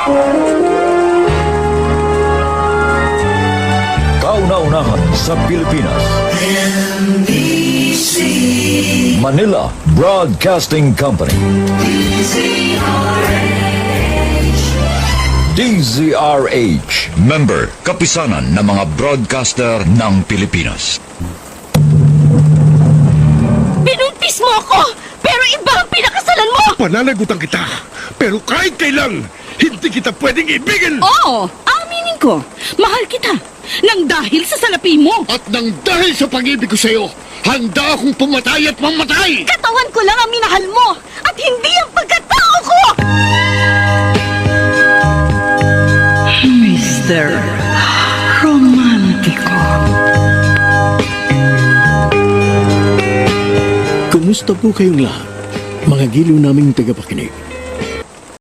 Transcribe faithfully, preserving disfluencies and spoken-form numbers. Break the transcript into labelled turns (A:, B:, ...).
A: Kauna-unahan sa Pilipinas.
B: N B C
A: Manila Broadcasting Company.
B: D Z R H
A: D Z R H. Member, kapisanan ng mga broadcaster ng Pilipinas.
C: Binuntis mo ako! Pero iba ang pinakasalan mo!
D: Pananagutan kita, pero kahit kailan, hindi kita pwedeng ibigin!
C: Oo! Aminin ko! Mahal kita! Nang dahil sa salapi mo!
D: At nang dahil sa pag-ibig ko sa'yo, handa akong pumatay at mamatay!
C: Katawan ko lang ang minahal mo! At hindi ang pagkatao ko! Mister Romantiko.
E: Kumusta po kayong lahat, mga giliw naming tagapakinig?